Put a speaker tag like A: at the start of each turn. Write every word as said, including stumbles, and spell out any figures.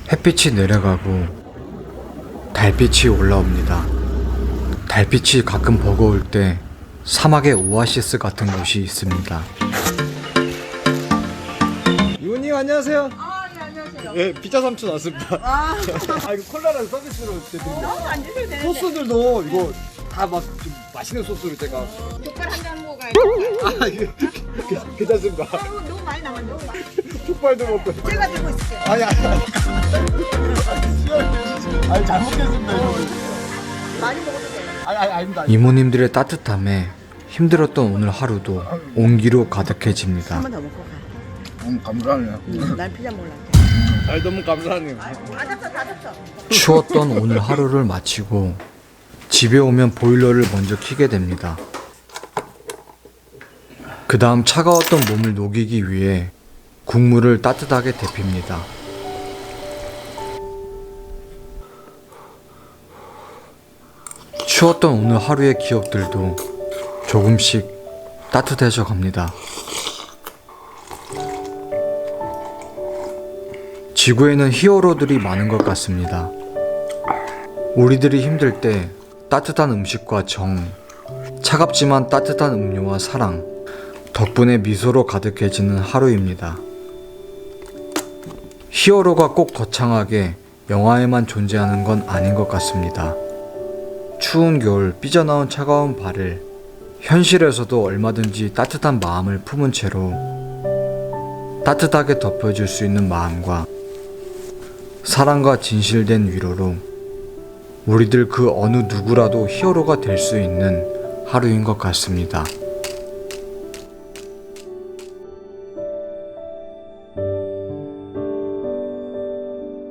A: 햇빛이 내려가고 달빛이 올라옵니다. 달빛이 가끔 버거울 때 사막의 오아시스 같은 곳이 있습니다. 이모님 안녕하세요.
B: 아, 네, 안녕하세요.
A: 예, 피자 삼촌 왔습니다.
B: 아,
A: 아 이거 콜라랑 서비스로 드립니다.
B: 너무 안 드셔도 되는데.
A: 소스들도 이거 다 막 좀 맛있는 소스로 제가.
B: 족발 한 잔 먹어야지.
A: 아 이거 괜찮습니다.
B: 아, 이거 너무 많이 남았네. 너무 많이.
A: 족발도 먹고.
B: 제가 들고 있을게요.
A: 아니 아니. 아니 잘 먹겠습니다 이거.
B: 많이 먹어도 돼요.
A: 아니 아니 아닙니다. 이모님들의 따뜻함에 힘들었던 오늘 하루도 온기로 가득해집니다.
B: 한 번 더 먹고 가.
A: 음 감사하네요.
B: 응, 난 피자 먹을래.
A: 아 너무 감사하네요.
B: 다 졌어, 다 졌어.
A: 추웠던 오늘 하루를 마치고 집에 오면 보일러를 먼저 켜게 됩니다. 그 다음 차가웠던 몸을 녹이기 위해 국물을 따뜻하게 데핍니다. 추웠던 오늘 하루의 기억들도 조금씩 따뜻해져 갑니다. 지구에는 히어로들이 많은 것 같습니다. 우리들이 힘들 때 따뜻한 음식과 정, 차갑지만 따뜻한 음료와 사랑, 덕분에 미소로 가득해지는 하루입니다. 히어로가 꼭 거창하게 영화에만 존재하는 건 아닌 것 같습니다. 추운 겨울 삐져나온 차가운 발을 현실에서도 얼마든지 따뜻한 마음을 품은 채로 따뜻하게 덮여줄 수 있는 마음과 사랑과 진실된 위로로 우리들 그 어느 누구라도 히어로가 될 수 있는 하루인 것 같습니다.